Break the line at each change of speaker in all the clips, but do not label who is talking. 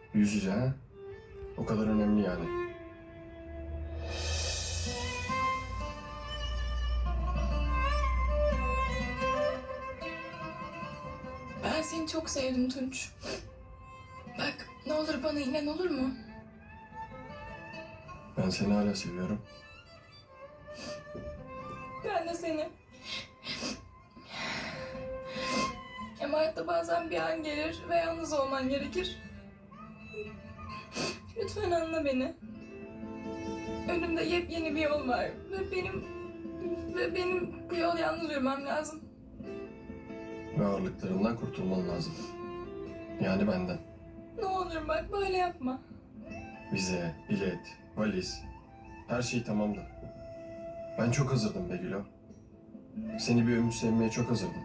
Yüz yüze ha? O kadar önemli yani.
Ben seni çok sevdim Tunç. Bak ne olur bana inan, olur mu?
Ben seni hala seviyorum.
Ben de seni. Ama hayatta bazen bir an gelir ve yalnız olman gerekir. Lütfen anla beni. Önümde yepyeni bir yol var ve benim bu yol yalnız yürümem lazım.
Ve ağırlıklarından kurtulman lazım. Yani benden.
Ne olur bak böyle yapma.
Vize, bilet, valiz. Her şey tamamdı. Ben çok hazırdım be Gülo. Seni bir ömür sevmeye çok hazırdım.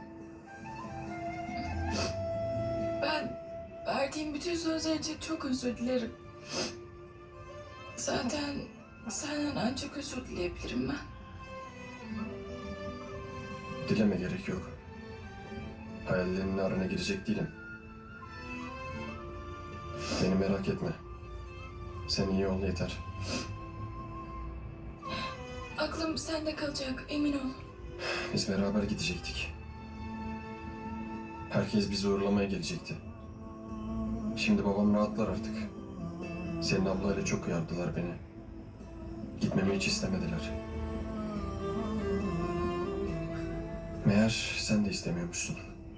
Ben verdiğim bütün sözler için çok özür dilerim. Zaten senden ancak özür dileyebilirim ben.
Dileme gerek yok. Hayallerimin arana girecek değilim. Beni merak etme. Sen iyi ol yeter.
Aklım sende kalacak, emin ol.
Biz beraber gidecektik. Herkes bizi uğurlamaya gelecekti. Şimdi babam rahatlar artık. Senin ablayla çok uyardılar beni. Gitmemi hiç istemediler. Meğer sen de istemiyormuşsun.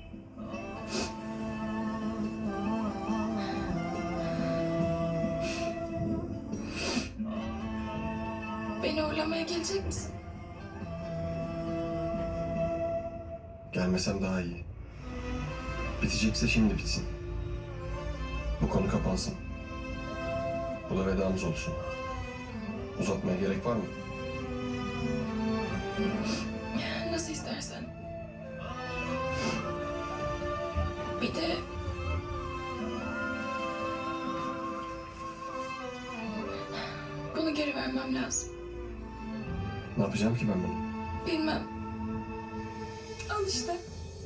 Beni uğurlamaya gelecek misin?
Gelmesem daha iyi. Bitecekse şimdi bitsin. Bu konu kapansın. Bu da vedamız olsun. Uzatmaya gerek var mı?
Nasıl istersen. Bir de... Bunu geri vermem lazım.
Ne yapacağım ki ben bunu?
Bilmem. Al işte.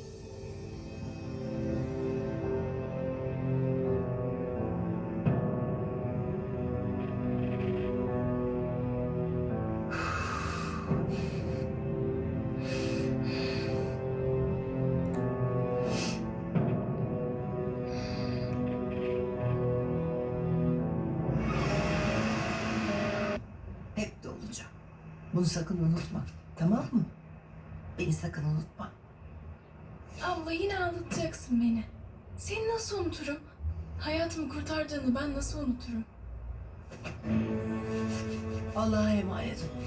Hep de olacağım. Bunu sakın unutma. Tamam mı? Beni sakın unutma.
Abla yine ağlatacaksın beni. Seni nasıl unuturum? Hayatımı kurtardığını ben nasıl unuturum?
Allah'a emanet ol.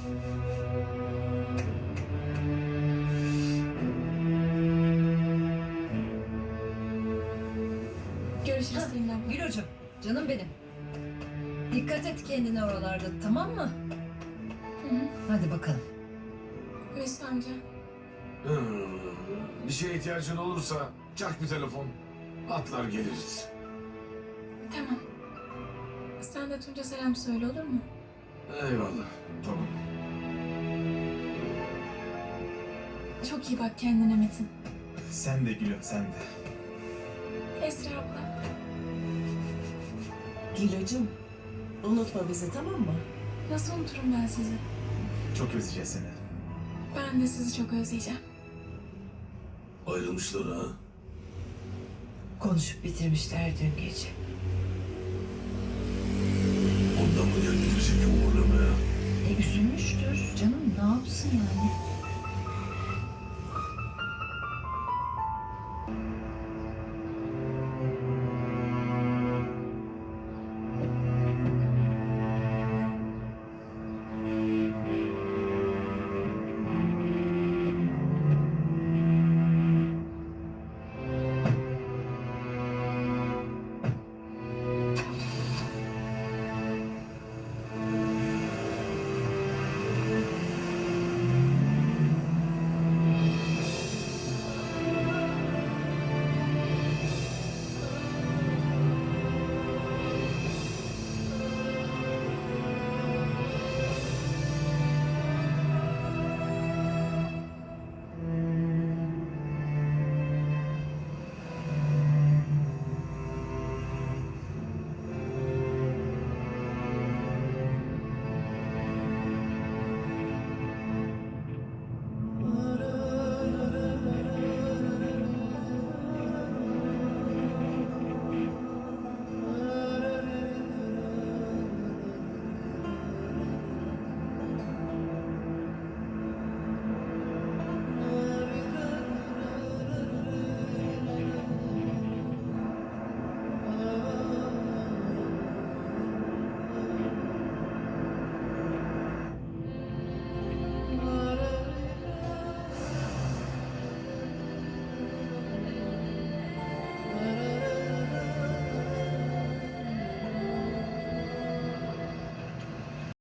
Görüşürüz Selin abla.
Gül hocam, canım benim. Dikkat et kendine oralarda, tamam mı?
Hı hı.
Hadi bakalım.
Mesut amca.
Bir şeye ihtiyacın olursa çak bir telefon. Atlar geliriz.
Tamam. Sen de Tunç'a selam söyle, olur mu?
Eyvallah. Tamam.
Çok iyi bak kendine Metin.
Sen de Gülüm, sen de.
Esra abla.
Gülacığım, unutma bizi, tamam mı?
Nasıl unuturum ben sizi?
Çok özleyeceğiz seni.
Ben de sizi çok özleyeceğim.
Ayrılmışlar ha.
Konuşup bitirmişler dün gece.